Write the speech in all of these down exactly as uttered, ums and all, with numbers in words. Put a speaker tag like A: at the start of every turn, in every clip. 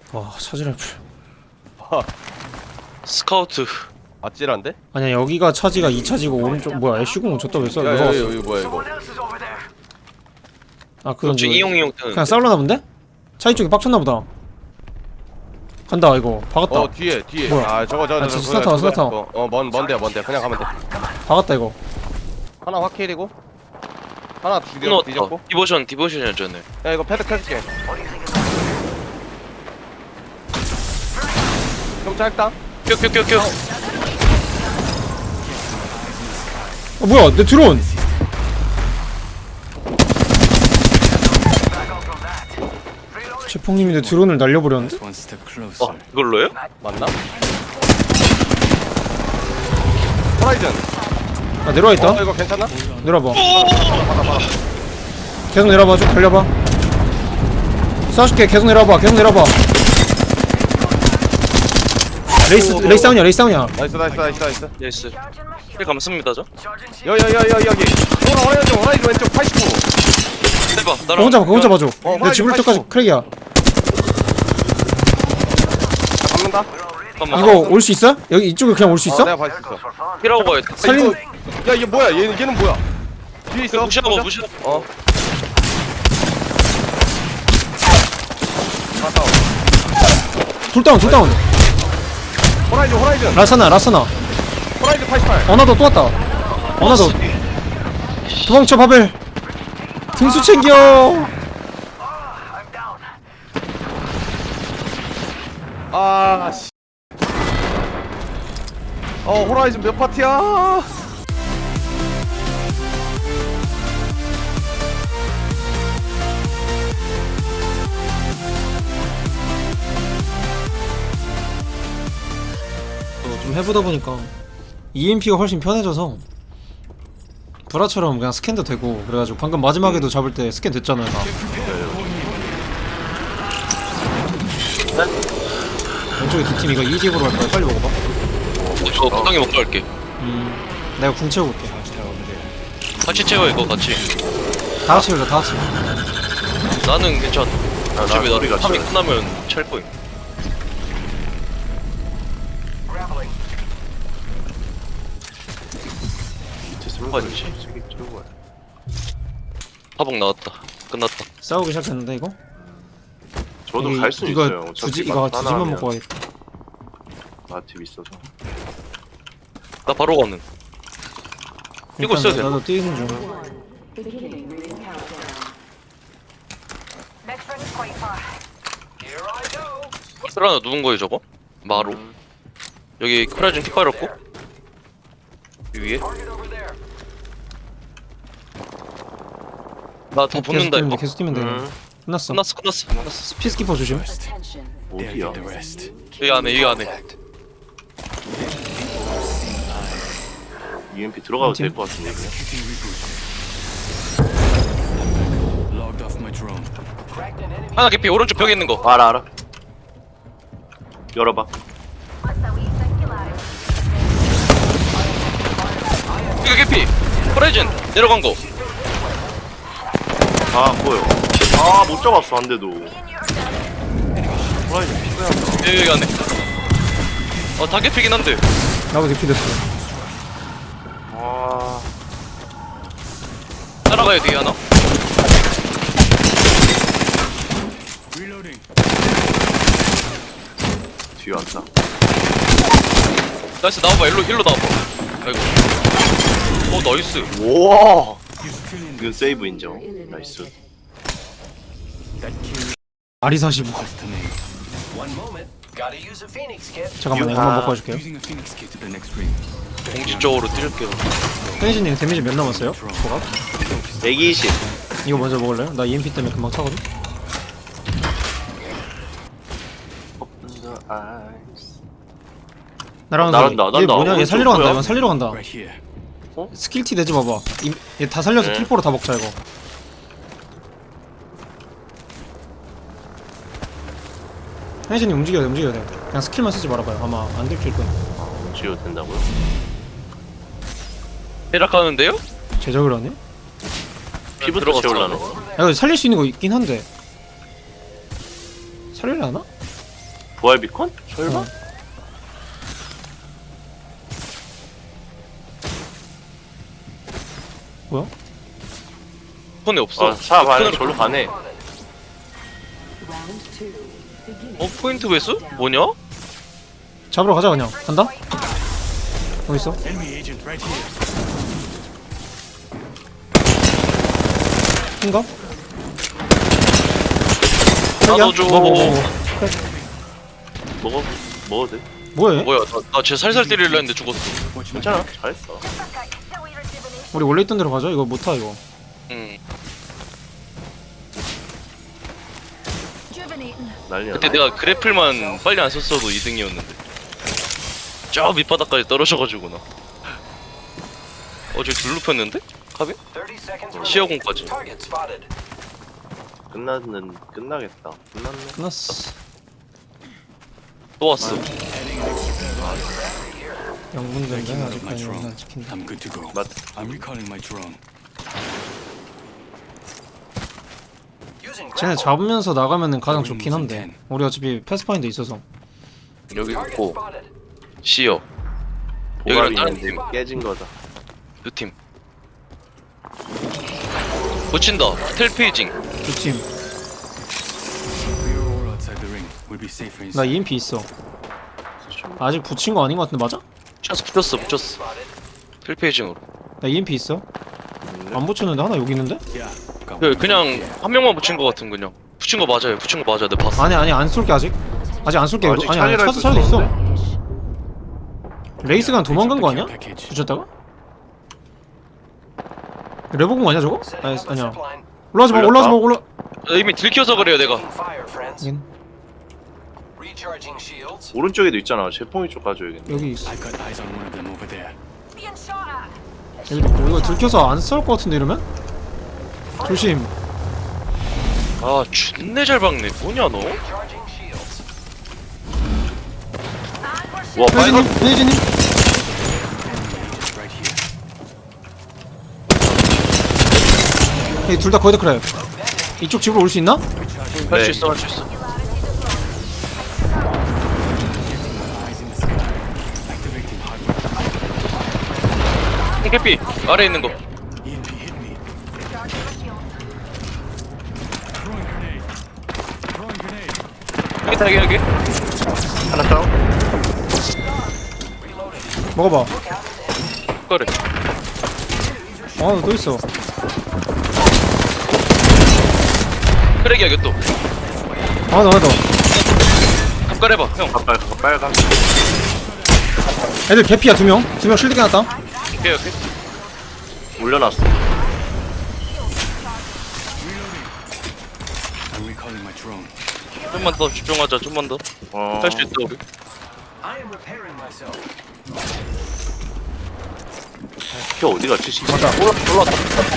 A: 와 차지라이플.
B: 스카우트.
C: 아찔한데?
A: 아니야 여기가 차지가 이 차지고 오른쪽 뭐야 애쉬궁 줬다 왜 써?
C: 야,
A: 누가
C: 야,
A: 왔어?
C: 야, 이거 뭐야 이거?
A: 아 그건
B: 그렇지
A: 저-
B: 이용이용 뜨는.
A: 그냥 싸울라나 본데? 차이 쪽에 빡쳤나 보다. 간다 이거 박았다.
C: 어 뒤에 뒤에.
A: 뭐야?
C: 아 저거 저거
A: 아,
C: 저거.
A: 진짜 스타터, 스타터.
C: 어먼 먼데야 먼데. 그냥 가면 돼.
A: 박았다 이거.
C: 하나 확킬이고 하나 죽여
B: 끊었다.
C: 뒤졌고.
B: 디보션 디보션이었잖아요.
C: 야 이거 패드 켜줄게. 좀 짧다.
B: 큐큐큐큐.
A: 어 뭐야 내 드론. 제폭님이 내 드론을 날려버렸는데?
B: 어 이걸로요?
C: 맞나? 호라이즌.
A: 아 내려와 있다.
C: 어 이거 괜찮나?
A: 내려와봐. 계속 내려와봐. 쭉 달려봐. 쏴줄게. 계속 내려와봐. 계속 내려와봐. 레이스 레이스 다운이야. 레이스 다운이야.
C: 나이스 나이스 나이스 나이스.
B: 예스. 힐 감습니다 저.
C: 여여여여 여기. 호라 호라이즌 호라이즌 왼쪽 팔십구.
B: 해봐.
A: 그거
B: 나랑.
A: 혼자 봐. 그거 혼자 봐줘.
C: 어,
A: 내 집을 때까지 크랙이야.
C: 잡는다.
B: 잠깐만.
A: 이거 올 수 있어? 여기 이쪽에 그냥 올 수
C: 어,
A: 있어?
C: 내가 봐 있어.
B: 힐하고 가야겠다.
A: 살린
C: 야 이게 뭐야? 얘 얘는 뭐야? 뒤에 있어.
B: 무시하고
C: 보자.
B: 무시하고.
C: 어. 갔다 와.
A: 둘 다운 둘 다운.
C: 호라이즌 호라이즌.
A: 라사나 라사나.
C: 호라이즌 팔십팔.
A: 어나더 또 왔다. 어나더. 도망쳐 바벨. 등수 챙겨.
C: 아 씨. 어 호라이즌 몇 파티야?
A: 어, 좀 해보다 보니까 이엠피가 훨씬 편해져서 브라처럼 그냥 스캔도 되고 그래가지고 방금 마지막에도 잡을 때 스캔 됐잖아요 다. 왼쪽에 두 팀 이거 이집으로 할 거야. 빨리 먹어봐.
B: 저 구덩이 먹고 갈게.
A: 음, 내가 궁 채우고 올게.
B: 같이 채워 이거 같이.
A: 다 같이 올자 다 같이.
B: 나는 괜찮아.
C: 나
B: 어차피 나
C: 우리가
B: 탐이
C: 채워.
B: 끝나면 찰 거임. 뭐지? 화복 나왔다. 끝났다.
A: 싸우기 시작했는데 이거?
D: 저도
A: 이-
D: 갈 수
A: 이거
D: 있어요.
A: 두지
D: 어차피
A: 이거
D: 막
A: 두지만
D: 하나하면
A: 먹고 가겠다.
D: 나팁 있어서.
B: 나 바로 가는. 이거
A: 일단
B: 써야 돼.
A: 나도 뛰는 중.
E: Beginning ring countdown. Next ring is quite far. Here I go.
B: 쓰라나 누군 거예요 저거? 마루.
D: 음.
B: 여기 크라진 피 깔았고. 이 위에. 나 더
A: 계속
B: 붙는다
A: 뛰면 돼.
B: 이거.
A: 계속 뛰면 돼.
D: 음.
A: 끝났어.
B: 끝났어 끝났어 끝났어.
A: 피스키퍼 조심.
E: Attention.
D: 어디야?
B: 여기 안에 여기 안에.
D: 이엠피 들어가도
A: 팀?
D: 될 것 같은데 그냥.
B: 하나 개피 오른쪽 벽에 있는 거.
D: 알아 알아. 열어봐.
B: 이거 개피. 크라진 내려간 거.
D: 아 보여. 아 못 잡았어 한 대도. 호라이즌 피부야.
B: 여기 여기 안에. 어다 개피긴 한데.
A: 나도 대피 됐어.
D: 아
B: 따라가요 뒤에 하나.
D: 뒤에 왔다.
B: 나이스 나와봐 일로 일로 나와봐. 아이고. 어 나이스.
D: 우와. 이건 세이브 인정. 나이스.
A: 아리 사십오. 잠깐만
D: 유하.
A: 이거만 먹고 가줄게요.
B: 공식적으로 뛸게요.
A: 페니시님 데미지 몇 남았어요? 뭐가?
D: 백이십.
A: 이거 먼저 먹을래요? 나 이엠피 때문에 금방 차거든?
D: Open the eyes.
A: 나랑
D: 나간다,
A: 얘
D: 난다.
A: 뭐냐? 얘
D: 오른쪽
A: 살리러 간다.
D: 뭐야?
A: 이건 살리러 간다.
D: 어?
A: 스킬티 내지 봐봐. 얘 다 살려서
D: 네.
A: 킬포로 다 먹자 이거. 페니시님 움직여야 돼. 움직여야 돼. 그냥 스킬만 쓰지 말아봐요. 아마 안 들킬 거야.
D: 지워도 된다고요?
B: 해락하는데요?
A: 제작을 하네?
D: 피부터
B: 들어갔어.
D: 채우려는.
A: 야, 이거 살릴 수 있는 거 있긴 한데 살릴려나?
D: 부활 비컨? 설마?
A: 어. 뭐야?
B: 폰에 없어.
D: 아, 사 반에 절로 가네.
B: 어 포인트 배수? 뭐냐?
A: 잡으러 가자 그냥. 간다? 어디 있어? 흰가?
B: 나도 줘.
A: 뭐, 뭐, 뭐, 뭐.
D: 먹어, 먹어도 돼.
A: 뭐해?
B: 뭐야? 나쟤 살살 때리려 했는데 죽었어.
D: 괜찮아, 잘했어.
A: 우리 원래 있던 데로 가자. 이거 못타 이거.
B: 응.
D: 난리야.
B: 그때 내가 그래플만 빨리 안 썼어도 이 등이었는데. 저 밑바닥까지 떨어져가지고 나. 어제 둘 눕혔는데? 카빈?
E: thirty seconds
B: 시야공까지.
E: Target spotted.
D: 끝났는 끝나겠다. 끝났네.
A: 끝났어.
B: 또 왔어.
A: 영분전데 아직까지 안 지킨다.
F: I'm good to go.
D: 맞.
F: I'm recalling my drone.
E: Using
A: 쟤네
E: grapple.
A: 잡으면서 나가면은 가장 좋긴 한데 우리 어차피 패스파인더 있어서.
B: 여기
E: Target
B: 있고
E: spotted.
B: 시어
D: 보갑이
B: 여기랑 다른
D: 있는데 깨진 거다.
B: 두 팀. 붙인다. 텔페이징.
A: 두 팀.
F: We are all outside the ring. We'll be safer
A: 나
F: inside.
A: 이엠피 있어. 아직 붙인 거 아닌 거 같은데 맞아?
B: 붙였어 붙였어 붙였어. 텔페이징으로.
A: 나 이엠피 있어. 안 붙였는데 하나 여기 있는데?
F: Yeah. Got
B: 그
F: one.
B: 그냥 한 명만 붙인 거 같은 그냥. 붙인 거 맞아요. 붙인 거 맞아. 내가 봤어.
A: 아니 아니 안 쏠게 아직. 아직 안 쏠게.
D: 아직
A: 아니 아니
D: 차지할
A: 차도
D: 수
A: 차도 있어.
D: 있었는데?
A: 레이스가 도망간 거 아니야?
F: Package.
A: 붙였다가? 레버공 아니야 저거?
E: Setting
A: 아니
E: up a
A: 아니야.
E: zipline.
A: 올라가지 마 올라가지 마 올라.
B: 이미 들켜서 그래요 내가.
E: Taking fire, friends.
A: 여긴
E: Recharging shields.
D: 오른쪽에도 있잖아. 제pom이 쪽 가줘야겠네.
A: 여기 있어.
F: I've got eyes on one of them over there.
A: 여기 있고 이거 들켜서 안 싸울 것 같은데 이러면? 조심.
B: 아 존내 잘 박네. 뭐냐 너?
E: Recharging shields.
D: 와, 빨간
A: 페이지님 페이지님.
F: Right here.
A: hey, 둘 다 거의 다 그래. 이쪽 집으로 올 수 있나?
B: 할 수
D: 네.
B: 있어 할 수 있어.
F: Eyes in the sky. Activating hardware.
B: 캐피 아래 있는 거.
F: E M P hit me. Throwing grenade. Throwing grenade.
B: 여기 타기 여기.
D: 하나 다운.
A: 먹어봐.
B: 그래.
A: 아또 있어.
B: 크랙이 여기 또.
A: 하나 더 하나 더.
B: 갑갈해봐 형.
D: 가빨 가빨 빨간.
A: 애들 개피야 두 명. 두 명 실드 깨놨다.
B: 오케이 오케이.
D: 올려놨어.
F: I'm recalling my drone.
B: 좀만 더 집중하자. 좀만 더.
D: 어.
B: 할 수 있어 우리.
E: I am repairing myself.
D: 키 어디 갔지? 씨.
A: 맞다.
B: 올라 올라왔다.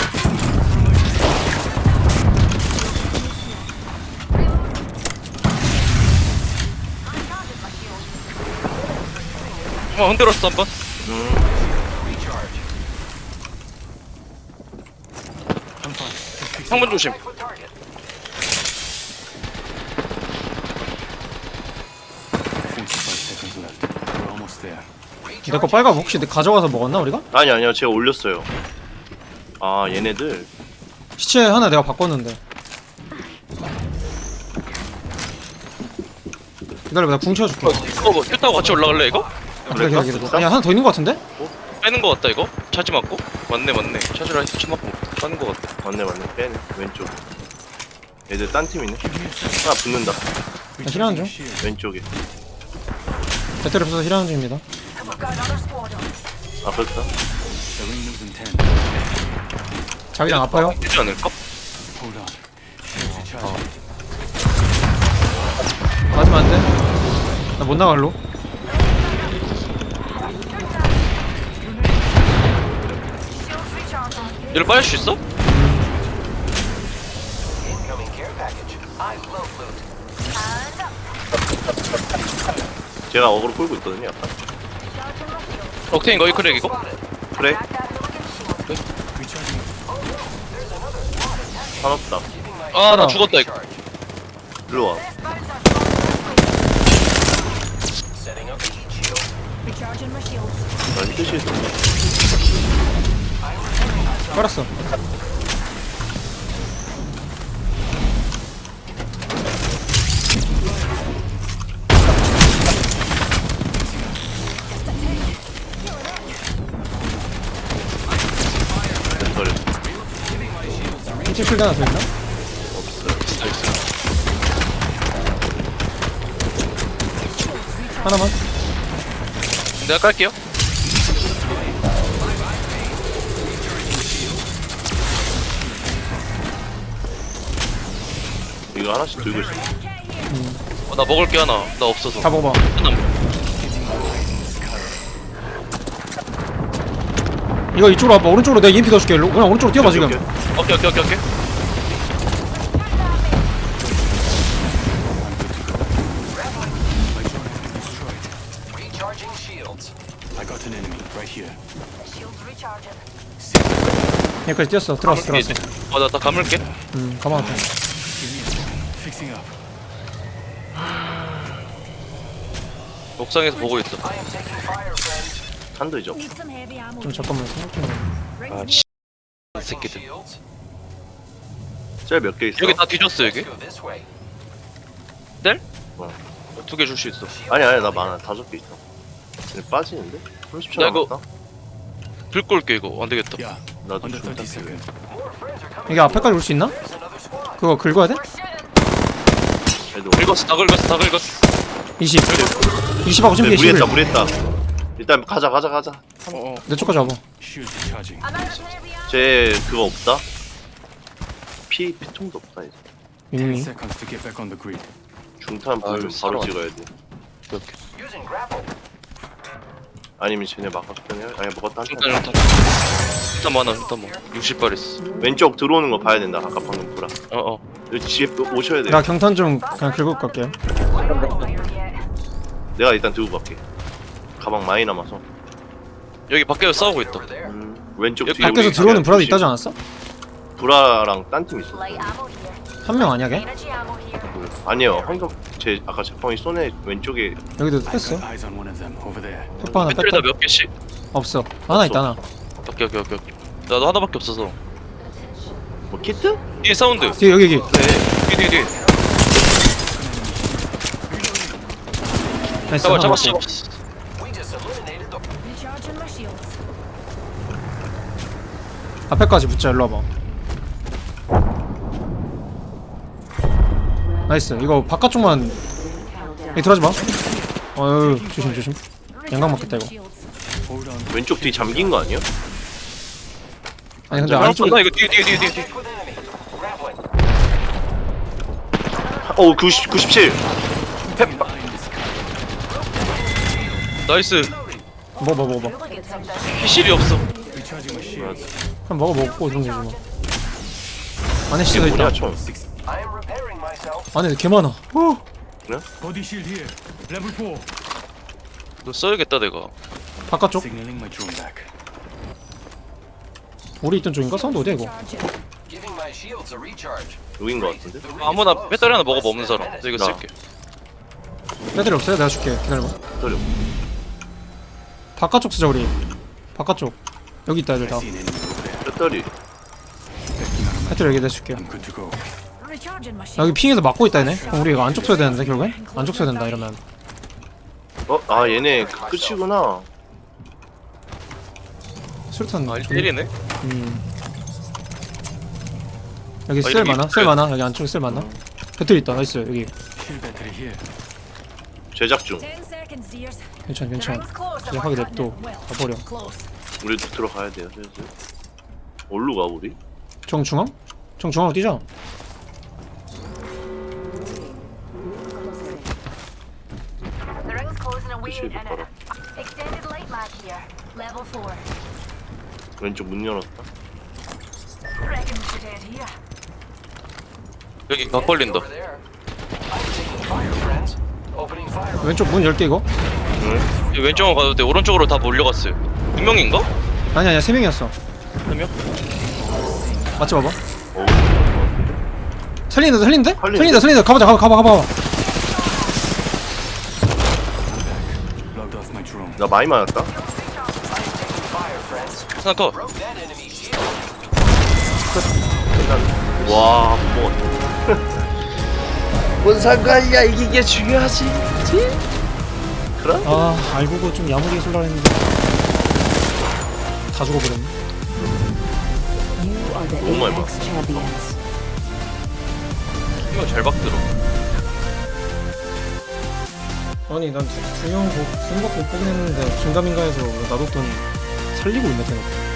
B: 어 흔들었어 한번.
D: 음.
F: I'm fine. Just fix
B: 창문 조심.
E: With target.
F: forty-five seconds left. We're almost there.
A: 내 거 빨간 거 혹시 내 가져가서 먹었나 우리가?
D: 아니 아니요, 제가 올렸어요. 아, 얘네들.
A: 시체 하나 내가 바꿨는데. 기다려봐 나 궁 채워줄게.
B: 어, 이거 뭐 큐 타고 같이 올라갈래 이거?
A: 그래 그래 그래. 아니야 하나 더 있는 거 같은데?
B: 빼는 거 같다 이거? 차지 맞고? 맞네 맞네. 차지라 해서 차 맞고 빠는 거 같다.
D: 맞네 맞네. 빼네. 왼쪽. 얘들 딴 팀이네. 하나 붙는다.
A: 힐하는 중.
F: Shield.
D: 왼쪽에.
A: 배터리 없어서 힐하는 중입니다.
D: 아, 그렇다.
F: The ring moves in ten.
A: 자기장 아파요?
B: 되지 않을까?
F: Hold on. Shields recharging.
A: 맞으면 안 돼. 나 못 나갈로.
B: 얘를 빠질 수 있어?
E: Incoming care package. I love loot.
D: 제가 어그로 끌고 있거든요, 약간.
B: 옥테인 거의 크랙 이거?
D: 그래?
F: Recharging.
D: 산없다.
B: 아 나 죽었다 이거.
D: 일로 와.
E: Recharging my shields.
D: 난 뜻이 있어.
A: 깔았어.
D: 멘털이
A: 일찍 실드 하나 더 있나? 하나만.
B: 내가 깔게요.
D: 이거 하나씩 들고 있어.
B: 어, 나 먹을 게 하나. 나 없어서.
A: 다 먹어봐. 이거 이쪽으로 와봐. 오른쪽으로 내가 이엠피 넣어줄게. 일로. 그냥 오른쪽으로 뛰어봐 지금.
B: 오케이 오케이 오케이 오케이.
E: Recharging shields.
F: I got an enemy right here.
E: Shields recharging.
A: 여기까지 뛰었어. 들어왔어 들어왔어.
B: 어나 다 감을게.
A: 음 가만 앞에.
F: Fixing up.
B: 옥상에서 보고 있어.
E: I am taking fire, friends.
D: 한도 이죠.
E: Need some heavy ammo.
A: 좀 잠깐만 생각 좀. 해.
B: 아 씨. 새끼들.
E: Shields.
D: 짤몇 개 있어?
B: 여기 다 뒤졌어 여기.
E: Go this way.
B: 뗄?
D: 어.
B: 두 개 줄 수 있어.
D: 아니 아니 나 많아. 다섯 개 있어. 근데 빠지는데? 삼십 초
B: 야, 이거-
D: 남았다.
B: 불 끌게 이거 안 되겠다.
F: Yeah.
D: 나도
F: Under
D: 좀
F: thirty
D: 딱
F: seconds.
E: More friends are coming.
A: 이게 앞에까지 올 수 있나?
E: There's another squad.
A: 그거 긁어야 돼?
D: 애들
B: 긁었어 다 긁었어 다 긁었어.
A: 이십. 이십하고 준비해
D: 네,
A: 십일.
D: 무리했다 무리했다. 일단 가자 가자 가자.
B: 어어.
A: 내 쪽까지 와봐.
F: Shields recharging.
E: I'm out of heavy ammo.
D: 쟤 그거 없다? 피 피통도 없다 이제.
F: Ten
A: 밍밍.
F: seconds to get back on the grid.
D: 중탄
B: 아유,
D: 불
B: 사러
D: 바로
B: 왔네.
D: 찍어야 돼.
B: 이렇게.
E: Using grapple.
D: 아니면 쟤네 막았더니 아니 먹었다 한
B: 일단
D: 탄.
B: 일단. 일단 많아 일단 뭐. 육십 발 있어.
D: 왼쪽 들어오는 거 봐야 된다. 아까 방금 보라.
B: 어어.
D: 여기 집에 또 오셔야 돼.
A: 나 경탄 좀 그냥 긁고 갈게.
E: Fire yet.
D: 내가 일단 들고 갈게. 가방 많이 남아서.
B: 여기 밖에서 싸우고 있다.
E: Over there.
D: 음, 왼쪽
B: 여기
D: 뒤에
A: 밖에서
D: 우리
A: 들어오는 브라도
D: 조심.
A: 있다지 않았어?
D: 브라랑 딴 팀 있어.
E: Light ammo here.
A: 한 명 아니야 걔?
E: Energy ammo here.
D: 아니요. 황덕 제 아까 제펑이 쏘네 왼쪽에
A: 여기도
F: I
A: 뺐어.
F: got eyes on one of them over there.
A: 페퍼 하나
B: 배터리 다
A: 뺐다.
B: 몇 개씩?
A: 없어. 하나 있다 하나.
B: 오케이 오케이 오케이 오케이. 나도 하나밖에 없어서.
D: 뭐 키트?
B: 뒤에 사운드.
A: 뒤에 여기 여기.
B: 뒤에 뒤에 뒤에.
A: 나이스.
B: 잡아
A: 하나
B: 잡아
A: 먹고.
B: 잡아.
E: We just eliminated the. Recharging my shields.
A: 앞에까지 붙자. 일로 와봐. 나이스. 이거 바깥쪽만. 여기 들어가지 마. 어유 조심 조심. 양각 맞겠다 이거.
F: Hold on.
D: 왼쪽 뒤 잠긴 거 아니야?
A: 아니 근데
B: 야,
A: 안쪽
B: 나 이거 뒤에 뒤에 뒤에 뒤에. 뒤에.
E: With enemy. Grappling.
D: 어 구십 구십칠.
B: 나이스.
A: 먹어 먹어 먹어.
E: Get some that.
B: 피실이 없어.
F: Recharging my shields.
A: 그럼 먹어 먹고 이런 거지 뭐. 안에
D: 이게
A: 시도 있다.
D: 뭐냐 총.
E: I am repairing myself.
A: 안에 개 많아. 어.
F: Body shield here. Level four.
B: 너 써야겠다 내가.
A: 바깥쪽.
F: Signaling my drone back.
A: 우리 있던 쪽인가? 사운드 어디야 이거?
E: Giving my shields a recharge.
D: 여긴 거 같은데?
B: 아무나 배터리 하나 먹어봐 없는 사람. 나 이거
D: 나.
B: 쓸게.
A: 배터리 없어요? 내가 줄게. 기다려봐.
D: 기다려.
A: 바깥쪽 쓰자 우리. 바깥쪽. 여기 있다 애들 다.
F: I see an enemy over there.
D: 배터리.
F: Backing out of my
A: 배터리 여기 내가 줄게.
F: I'm good to go.
E: Recharging my
A: 여기 핑에서 막고 있다 얘네. 그럼 우리 이거 안쪽 써야 되는데 결국엔? 안쪽 써야 된다 이러면.
D: 어? 아 얘네 그 끝이구나.
A: 수류탄.
B: 아
A: 좀-
B: 일 대 일이네.
A: 음. 여기
B: 아,
A: 셀
B: 이렇게
A: 많아? 셀
B: 있어요.
A: 많아? 여기 안쪽에 셀 많아? 배터리 있다. 나이스. 여기.
F: Shield battery here.
D: 제작 중.
E: Ten seconds, dears.
A: 괜찮아
E: The
A: 괜찮아.
E: ring's close. and
A: 이제
E: we're
A: 하게
E: cutting
A: 냅둬.
E: it well.
A: 가버려.
E: Close.
D: 우리도 들어가야 돼요 슬슬. 어디로 가 우리?
A: 정중앙? 정중앙으로 뛰자.
E: The ring's closing and we
D: Should
E: ain't
D: be
E: in
D: better.
E: it. Extended light mag here. Level four.
D: 왼쪽 문 열었다.
E: Reckon we should head here.
B: 여기 각 벌린다.
E: Over there. I'm taking fire, friends. Opening fire.
A: 왼쪽 문 열게 이거?
D: 응?
B: 여기 왼쪽으로 가도 돼. 오른쪽으로 다 몰려갔어요. 두 명인가?
A: 아니 아니야 세 명이었어.
B: 세 명?
A: 맞지 봐봐.
D: 어.
A: 살리는데 살리는데?
D: 살리는데?
A: 살린다 살린다. 가보자 가봐 가봐 가봐.
F: Logged off my
D: 나 많이 맞았다.
B: 스나커.
D: 와, 못 먹었어. 뭔 상관이야, 이게 중요하지. 그럼?
A: 아 알고도 좀 야무지게 쏠라 했는데 다 죽어버렸네.
G: You are the
B: Oh my
G: Apex champions.
B: 이거 잘 박들어.
A: 아니 난 두명 두명 밖에 못 보긴 했는데 긴가민가해서 놔뒀더니 살리고 있네 대놓고.